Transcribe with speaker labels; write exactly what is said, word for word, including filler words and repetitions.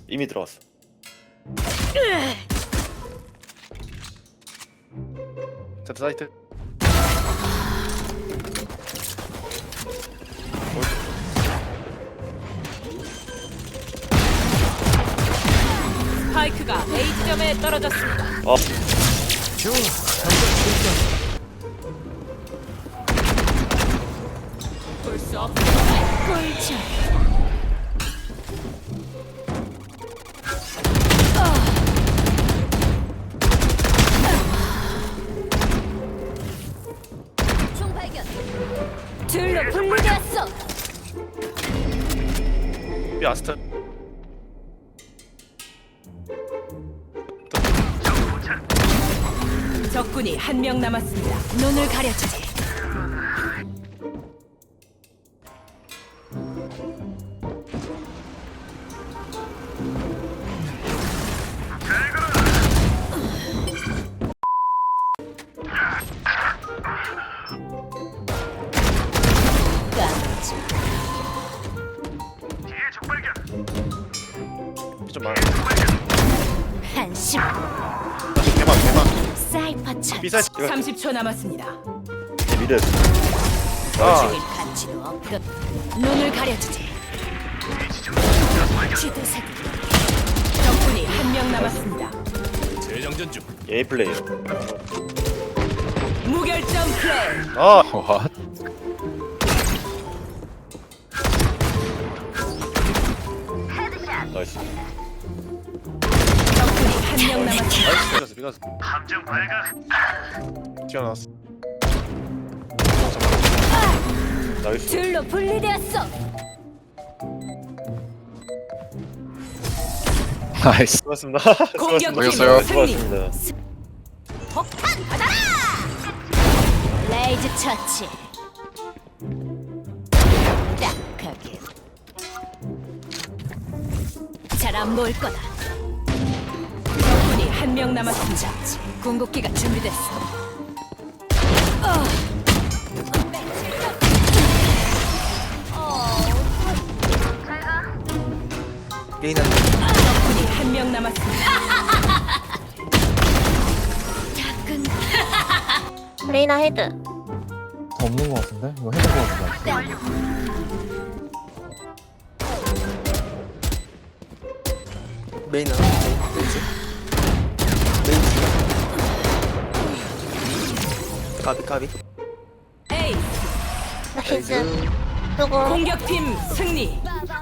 Speaker 1: 이미 들어왔어. 제트 사이트.
Speaker 2: 스파이크가 A 지점에 떨어졌습니다.
Speaker 1: 어.
Speaker 3: 좋아, 잠깐 출전.
Speaker 2: 볼 수 없는 꿀잼. 총 발견. 둘로 분리되었어.
Speaker 1: 이 아스트.
Speaker 2: 적군이 한 명 남았습니다. 눈을 가려주지.
Speaker 1: 좀 많아.
Speaker 2: 한심.
Speaker 1: 대박 대박.
Speaker 2: 사이퍼 차.
Speaker 1: 비사 이거
Speaker 2: 삼십 초 남았습니다.
Speaker 1: 미드.
Speaker 2: 죽일
Speaker 1: 아.
Speaker 2: 가치도 없듯. 눈을 가려주지. 지도새끼. 적군이 한 명 남았습니다.
Speaker 3: 재정전 중.
Speaker 1: A 플레이어.
Speaker 2: 무결점 플레이.
Speaker 1: 아.
Speaker 4: 와.
Speaker 1: 나이스.
Speaker 2: 적군이 한 명 남았습니다.
Speaker 1: 나이스. 비가스 비가스.
Speaker 3: 함정 발각.
Speaker 1: 튀어나왔어. 나이스.
Speaker 2: 둘로 분리되었어.
Speaker 4: 나이스.
Speaker 1: 수고하셨습니다.
Speaker 2: 공격
Speaker 4: 수고하셨어요.
Speaker 1: 수고하셨습니다.
Speaker 2: 폭탄 받아라. 레이즈 처치. 딱하게. 잘 안 보일 거다. 적군이 한 명 남았습니다. 궁극기가 준비됐어. 어.
Speaker 5: 레이나
Speaker 2: 적군이 한 명 남았습니다. 작은
Speaker 6: 레이나 헤드.
Speaker 7: 없는 것 같은데? 이거 해볼 것 같은데?
Speaker 5: 메이나 레이즈 레이즈 까비 까비
Speaker 2: 에이
Speaker 6: 나이스. 누구?
Speaker 2: 공격팀 승리.